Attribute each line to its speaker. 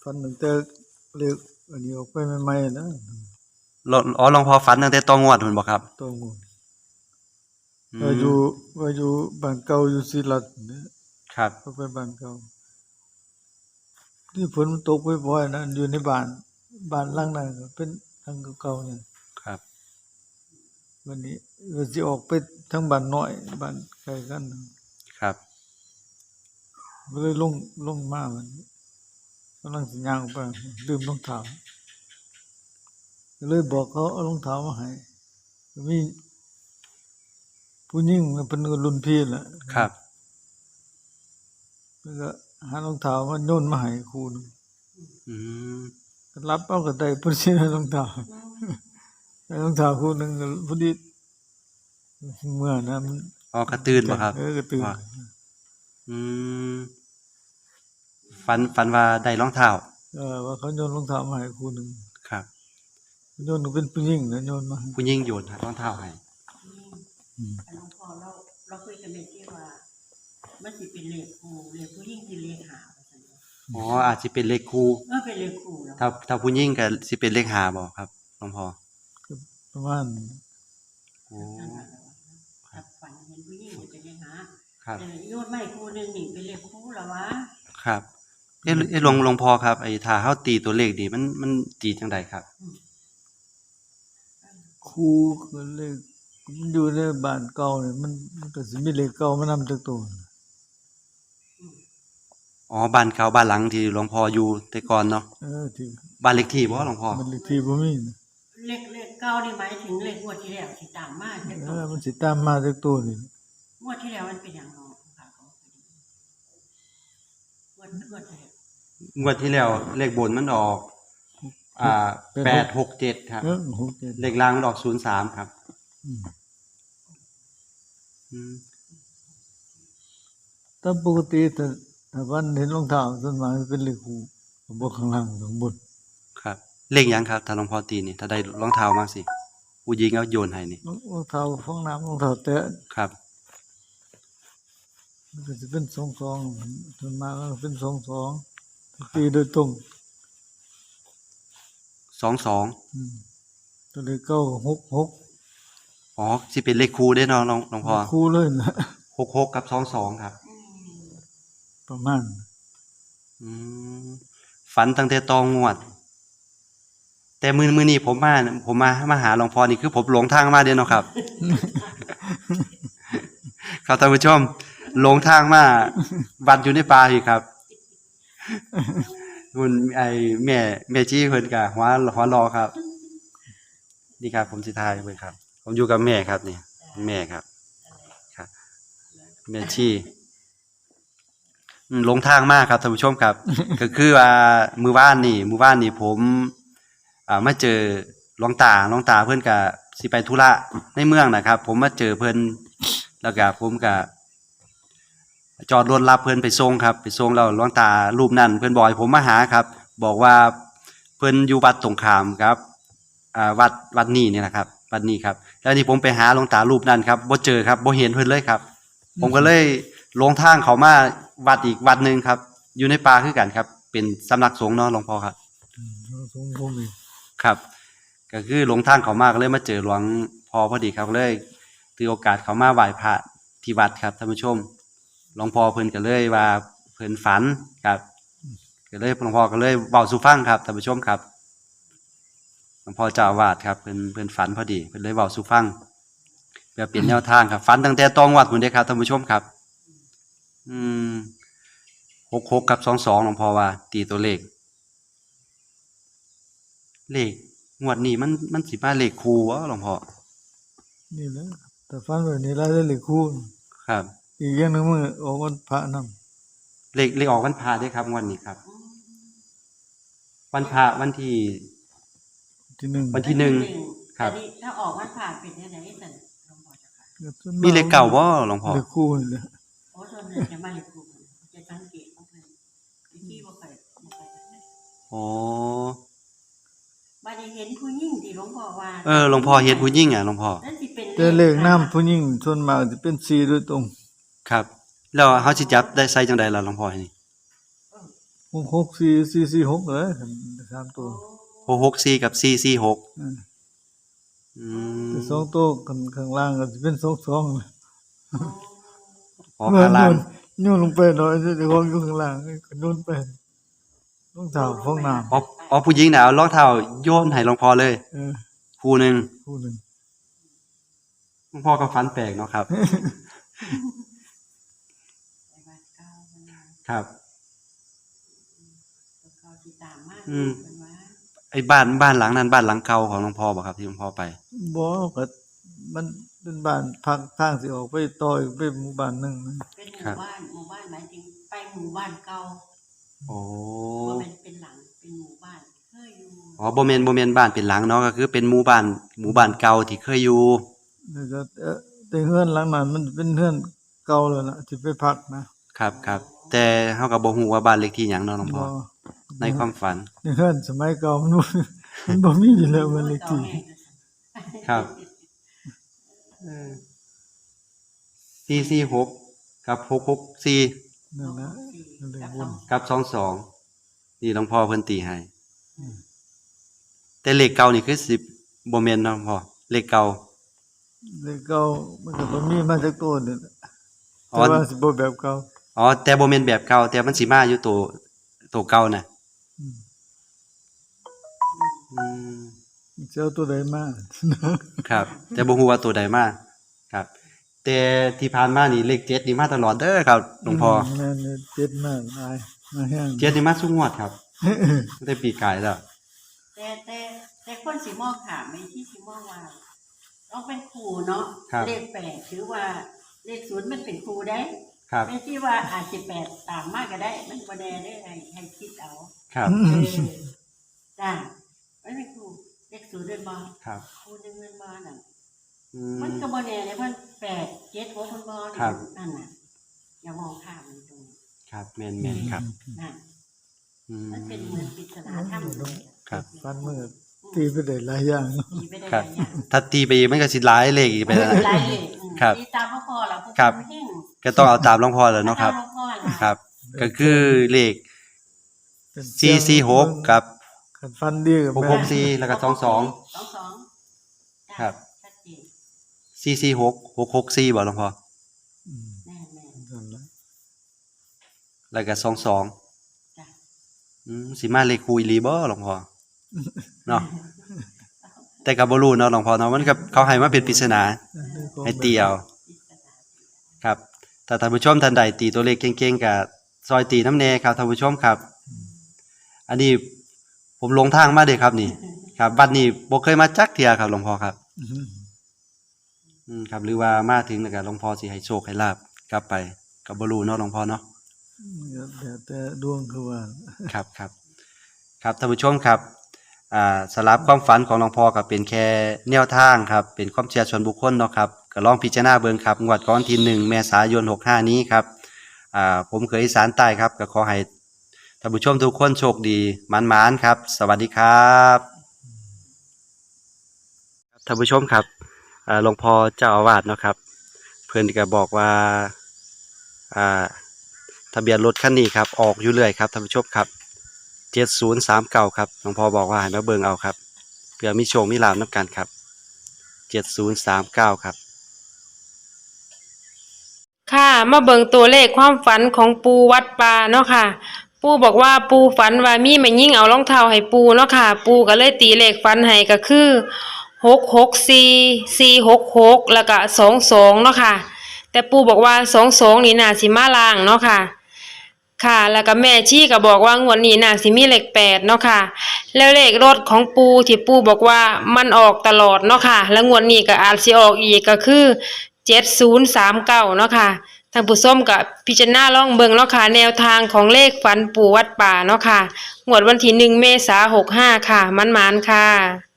Speaker 1: ฝันตั้งแต่เล็กอันนี้ออกไปใหม่ๆนะ
Speaker 2: หลวงพ่อฝันตั้งแต่ตองวดพุ่นบ่ครับ
Speaker 1: ต้องว่าอยู่บ้านเก่าอยู่ศรีรัตน์นะครับก็ไปบ้านเก่าที่ฝนมันตกบ่อยๆนะอยู่ในบ้านหลังนั้นก็เป็นหลังเก่าๆเนี่ย
Speaker 2: ครับ
Speaker 1: วันนี้ก็สิออกไปทางบ้านน้อยบ้านไกลกัน
Speaker 2: ครับ
Speaker 1: ก็เลยลงมาวันนี้กำลังสิย่างออกไปลืมรองเท้าก็เลยบอกเขาเอารองเท้ามาให้มีผู้หญิงเป็นรุ่นพี่แหละ
Speaker 2: ครับ
Speaker 1: แล้วก็หารองเท้ามาโยนมาให้ครูนึง
Speaker 2: อืม
Speaker 1: ก็รับเอาก็ได้พุ่นสิรองเท้ารองเท้าครูนึงก็พอดีเมื่อนั้น
Speaker 2: อ๋อกระตื่นบ่ครับ
Speaker 1: กระตื่น
Speaker 2: อืมฝันว่าได้รองเท้า
Speaker 1: ว่าเขาโยนรองเท้ามาให้ครูนึง
Speaker 2: ครับ
Speaker 1: โยนเป็นผู้หญิงนะโยนมา
Speaker 2: ผู้หญิงโยนรองเท้าให้
Speaker 3: หลวงพ่อเราคุยกันเลยที่ว่ามันสิเป็นเลขครูเลขผู้หญิงที่เลขหา
Speaker 2: อ๋ออาจสิเป็นเลขคู่
Speaker 3: เป็นเลขครูแล้ว
Speaker 2: ถ้าผู้หญิงก็สิเป็นเลข5บ่ครับหลวงพ่อ
Speaker 1: ประมาณ
Speaker 2: โอ้
Speaker 3: ถ้าฝันเห็นผู้หญิงเป็นเลขหา
Speaker 2: ครับ
Speaker 3: แต่โยนไม้ครูนึงนี่เป็นเลขครูแล้ววะ
Speaker 2: ครับหลวงพ่อครับไอ้ถ้าเฮาตีตัวเลขดีมันตีจังได๋ครับ
Speaker 1: ครูก็เลยมันอยู่ในบ้านเก่าเนี่ยมันก็สิมีเลขเก่ามานำจักตัว
Speaker 2: อ๋อบ้านเก่าบ้านหลังที่หลวงพ่ออยู่แต่ก่อนเนาะ
Speaker 1: ที่
Speaker 2: บ้านเลขที่บ่หลวงพ่อ
Speaker 1: บ้านเลขที่บ่มี
Speaker 3: เลขเก่านี่หมายถึงเลขงวดที่แล้วที่ตามมาจักตัว
Speaker 1: มันสิตามมาจักตัวนี่
Speaker 3: งวดที่แล้วมันเป็นหยังเนาะค่ะ
Speaker 2: งวดที่แล้วเลขบนมันออก867ครับเลขล่างมันออก03ครับ
Speaker 1: แต่ปกติถ้าวันเห็นรองเท้าส่วนมากเป็นเลขคู่บ่ข้างล่างข้างบน
Speaker 2: ครับเลขหยังครับถ้าหลวงพ่อตีนี่ถ้าได้รองเท้ามาสิผู้หญิงเอาโยนให้นี่
Speaker 1: รองเท้าฟองน้ำรองเท้าแตะ
Speaker 2: ครับ
Speaker 1: มันก็สิเป็น22ส่วนมากก็เป็น22ตีโดยตรง
Speaker 2: 22
Speaker 1: ตัวเลขเก่า66
Speaker 2: อ๋อสิเป็นเลขคู่เด้เนาะหลวงพ่อ
Speaker 1: คู่เลยนะ
Speaker 2: 66กับ22ครับ
Speaker 1: ประมาณ
Speaker 2: ฝันตั้งแต่ตองงวดแต่มื้อนี้ผมมาหาหลวงพ่อนี่คือผมหลงทางมาเด้เนาะครับ ครับท่านผู้ชมหลงทางมาวัดอยู่ในป่าอีกครับคุณไอ้แม่จี้เพิ่นก็หัวรอครับนี่ครับผมสิทายเพิ่นครับผมอยู่กับแม่ครับนี่แม่ครับครับแม่จี้หลงทางมากครับท่านผู้ชมครับ ก็คือว่ามื้อวานนี่ผมมาเจอหลวงตาเพิ่นก็สิไปธุระในเมืองนะครับผมมาเจอเพิ่นแล้วก็ผมก็จอดรถรับเพิ่นไปส่งครับไปส่งแล้วหลวงตารูปนั้นเพิ่นบอกให้ผมมาหาครับบอกว่าเพิ่นอยู่วัดตรงข้ามครับวัดนี้นี่นะครับวัดนี้ครับแล้วนี่ผมไปหาหลวงตารูปนั้นครับบ่เจอครับบ่เห็นเพิ่นเลยครับผมก็เลยลงทางเข้ามาวัดอีกวัดนึงครับอยู่ในป่าคือกันครับเป็นสำนักสงฆ์เนาะหลวงพ่อครับ
Speaker 1: สงฆ์ผมนี่
Speaker 2: ครับก็คือลงทางเข้ามาก็เลยมาเจอหลวงพ่อพอดีครับเลยถือโอกาสเข้ามาไหว้พระที่วัดครับท่านผู้ชมหลวงพ่อเพิ่นก็เลยว่าเพิ่นฝันครับก็เลยหลวงพ่อก็เลยเว้าสู่ฟังครับท่านผู้ชมครับหลวงพ่อเจ้าอาวาสครับเพิ่นฝันพอดีเพิ่นเลยเว้าสู่ฟังเพื่อเป็นแนวทางครับฝันตั้งแต่ตองวัดพุ่นเด้ครับท่านผู้ชมครับ66กับ22หลวงพ่อว่าตีตัวเลขงวดนี้มันสิมาเลขคู่บ่หลวงพ่อ
Speaker 1: นี่แหละแต่ฝันแบบนี้แล้วได้เลขคู่
Speaker 2: ครับ
Speaker 1: อีกอย่างนึงมื้อออกวันพระนำ
Speaker 2: เลขออกวันพระด้วยครับงวดนี้ครับวันพระวันที่
Speaker 1: 1
Speaker 2: วันที่1ครับ
Speaker 3: ถ้าออกวันพระเป็นจังได๋ซั่นหลวงพ่อเจ้าค่ะ
Speaker 2: มีเลขเก่าบ่หลวงพ่อ
Speaker 1: เลขคู่นี่แหละ
Speaker 3: โอ้ส่วนนึงจะมาเลขคู่จะสังเกตของเพิ่นที่บ่ค่อย
Speaker 2: อ๋อ
Speaker 3: บัดนี้เห็นผู้หญิงที่หลวงพ่อว่า
Speaker 2: หลวงพ่อเห็นผู้หญิงหลวงพ่อ
Speaker 3: นั่นสิเป็น
Speaker 1: แต่เลขนามผู้หญิงส่วนมากสิเป็น4โดยตรง
Speaker 2: ครับแล้วเฮาสิจับได้ใส่จังได๋ล่ะหลวงพ่อนี่
Speaker 1: ก 664 446เลยสามตัว
Speaker 2: 664กับ446
Speaker 1: อืม
Speaker 2: อืม
Speaker 1: แต่สองตัวข้างล่างก็สิเป็น22นะ
Speaker 2: อ๋อข้างล่าง
Speaker 1: โยนลงไปหน่อยเดี๋ยวของอยู่ข้างล่างก็โยนไปรองเท้าฟองน้ำ
Speaker 2: อ๋อผู้หญิงน่ะเอารองเท้าโยนให้หลวงพ่อเลย คู่หนึง
Speaker 1: คู่หนึง
Speaker 2: หลวงพ่อก็ฝันแปลกเนาะครับ
Speaker 3: ไปบ้านเก่าเพิ่นว่า
Speaker 2: ครับ
Speaker 3: ตัวเก่าที่ตามมา
Speaker 2: อืม
Speaker 3: เพิ่นว่า
Speaker 2: ไอ้บ้านหลังนั้นบ้านหลังเก่าของหลวงพ่อบ่ครับที่หลวงพ่อไป
Speaker 1: บ่ก็มันเป็นบ้านพักทางสิออกไปต่ออีกไปหมู่บ้านหนึงนะ
Speaker 3: เป็นห
Speaker 2: ครั
Speaker 3: มู่
Speaker 2: บ
Speaker 3: บ้านหมายถึงไปหมู่บ้านเก่า
Speaker 2: โอ้
Speaker 3: บ่แม่นเป็นหลังเป็นหมู่บ้านเคยอยู่
Speaker 2: อ๋อบ่แม่นบ้านเป็นหลังเนาะก็คือเป็นหมู่บ้านเก่าที่เคยอยู่
Speaker 1: แล้วก็แต่เฮือนหลังนั้นมันเป็นเฮือนเก่าแล้วล่ะที่ไปพักนะครับ
Speaker 2: ครับแต่เฮาก็บ่ฮู้ว่าบ้านเลขที่หยังเนาะหลวงพ่อ
Speaker 1: บ่
Speaker 2: ในความฝัน
Speaker 1: ในเฮือนสมัยเก่ามันบ่มันบ่มีอยู่แล้วมันเลขที่
Speaker 2: ครับ 446กับ664
Speaker 1: นั่นนะนั่นเลยวน
Speaker 2: กับ22นี่หลวงพ่อเพิ่นตีให้แต่เลขเก่านี่คือสิบ่แม่นเนาะหลวงพ่อเลขเก่า
Speaker 1: เลขเก่ามันก็บ่มีมาจากตัวนี่แหละ
Speaker 2: อ๋
Speaker 1: แต่
Speaker 2: อ
Speaker 1: ว่าสิบ่แบบเก่า
Speaker 2: อ๋อแต่บ่แม่นแบบเก่าแต่มันสิมาอยู่ตัวเก่าน่ะ
Speaker 1: อืม
Speaker 2: อืม
Speaker 1: สิเอาตัวใดมา
Speaker 2: ครับ แต่บ่ฮู้ว่าตัวใดมาครับ แต่ที่ผ่านมานี่เลข7นี่มาตลอดเด้อครับหลวงพ่อ
Speaker 1: แม่นเลยเจ็ดมากหลายมาแห้ง
Speaker 2: 7นี่มาทุกงวดครับตั้งแต่ปีกายแล้ว
Speaker 3: แต่คนสิมองถามไอ้ที่สิมองว่าต้องเป็นครูเนาะ
Speaker 2: ครับ
Speaker 3: เลข8ถือว่าเลข0มันเป็นครูได้
Speaker 2: ครับ
Speaker 3: ไม่ที่ว่าอาจจะ8ตามมากก็ได้ มันบ่แน่ได้ให้คิดเอา
Speaker 2: ครับ
Speaker 3: เออจ้าไม่เป็นครูเลข0เดินบ่
Speaker 2: ครับ
Speaker 3: ครูหนึงเดินบ่นั่น
Speaker 2: อื
Speaker 3: มัน
Speaker 2: ม
Speaker 3: ก็บ่แน่เลยเพิ่น8 7 6เพิ่นบ่
Speaker 2: ครับ
Speaker 3: นั่นน่ะอย่ามองข้ามมันตรงนี้
Speaker 2: ครับแม่นๆครับ
Speaker 3: นั่น
Speaker 2: อืม
Speaker 3: มันเป็นเหมือนปริศนาธรรมเลย
Speaker 2: ครับ
Speaker 1: ฟันมือตีไปได้หลายอย่างเนาะ
Speaker 3: ตีไปได้
Speaker 2: ค
Speaker 3: ห
Speaker 2: รับ
Speaker 3: ลายอย่าง
Speaker 2: ถ้าตีไปอีกมันก็สิหลายเลขอีกไปแล้วนะ
Speaker 3: หลายเลย
Speaker 2: ครับ
Speaker 3: ตีตามพ่อพ่อแล้วพวก
Speaker 2: ครับ
Speaker 3: มันแห้ง
Speaker 2: ก็ต้องเอาตามหลวงพ่อแล้วเนาะครับ
Speaker 3: ตมหลวงพ่อล่ะ
Speaker 2: ครับ ก็คือเลข
Speaker 1: เป็น
Speaker 2: 446กับ
Speaker 1: คันฟันดีกับแม่
Speaker 2: 664แล้วก็22
Speaker 3: 22
Speaker 2: ครับ
Speaker 3: ชัดเจน
Speaker 2: 446 664บ่หลวงพ่อ
Speaker 1: อืม
Speaker 3: แน่
Speaker 1: นั่นแหละ
Speaker 2: แล้วก็
Speaker 3: ๆจ้ะ
Speaker 2: สิมาเลขคูอีหลีบ่หลวงพ่อเนาะแต่ก็บ่รู้เนาะหลวงพ่อเนาะมันก็เขาให้มาเป็นปริศนาให้ตีเอา
Speaker 3: ปริศนา
Speaker 2: ครับถ้าท่านผู้ชมท่านใดตีตัวเลขเก่งๆก็ซอยตีน้ำแน่ครับท่านผู้ชมครับ อันนี้ผมหลงทางมาเด้ครับนี่ ครับบัดนี้บ่เคยมาจักเที่ยครับหลวงพ่อครับ ครับหรือว่ามาถึงแล้วก็หลวงพ่อสิให้โชคให้ลาบกลับไปก็บ่รู้เนาะหลวงพ่อเนาะ
Speaker 1: แต่ดวงคือว่า
Speaker 2: ครับครับครับท่านผู้ชมครับสำหรับความฝันของหลวงพ่อก็เป็นแค่แนวทางครับเป็นความเชื่อส่วนบุคคลเนาะครับก็ลองพิจารณาเบิ่งครับงวดก่อนที่1เมษายน65นี้ครับผมเคยอีสานใต้ครับก็ขอให้ท่านผู้ชมทุกคนโชคดีหมานๆครับ สวัสดีครับท่านผู้ชมครับหลวงพ่อเจ้าอาวาสเนาะครับเพิ่นก็บอกว่าทะเบียนรถคันนี้ครับออกอยู่เรื่อยครับท่านผู้ชมครับ7039ครับหลวงพ่อบอกว่าให้มาเบิ่งเอาครับเพื่อมีโชคมีลาภนํกันครับ7039ครับ
Speaker 4: ค่ะมาเบิ่งตัวเลขความฝันของปูวัดป่าเนาะค่ะ ปูบอกว่าปูฝันว่ามีแม่หญิงเอารองเท้าให้ปูเนาะค่ะ ปูก็เลยตีเลขฝันให้ก็คือ664 466แล้วก็22เนาะค่ะ แต่ปูบอกว่า22นี่น่าสิมาล่างเนาะค่ะ ค่ะ แล้วก็แม่ชีก็บอกว่างวดนี้น่าสิมีเลข8เนาะค่ะ แล้วเลขรถของปูที่ปูบอกว่ามันออกตลอดเนาะค่ะ แล้วงวดนี้ก็อาจสิออกอีกก็คือ7039เนาะค่ะท่านผู้ชมก็พิจารณาลองเบิ่งเนาะค่ะแนวทางของเลขฝันปู่วัดป่าเนาะค่ะงวดวันที่1เมษายน65ค่ะมันๆค่ะ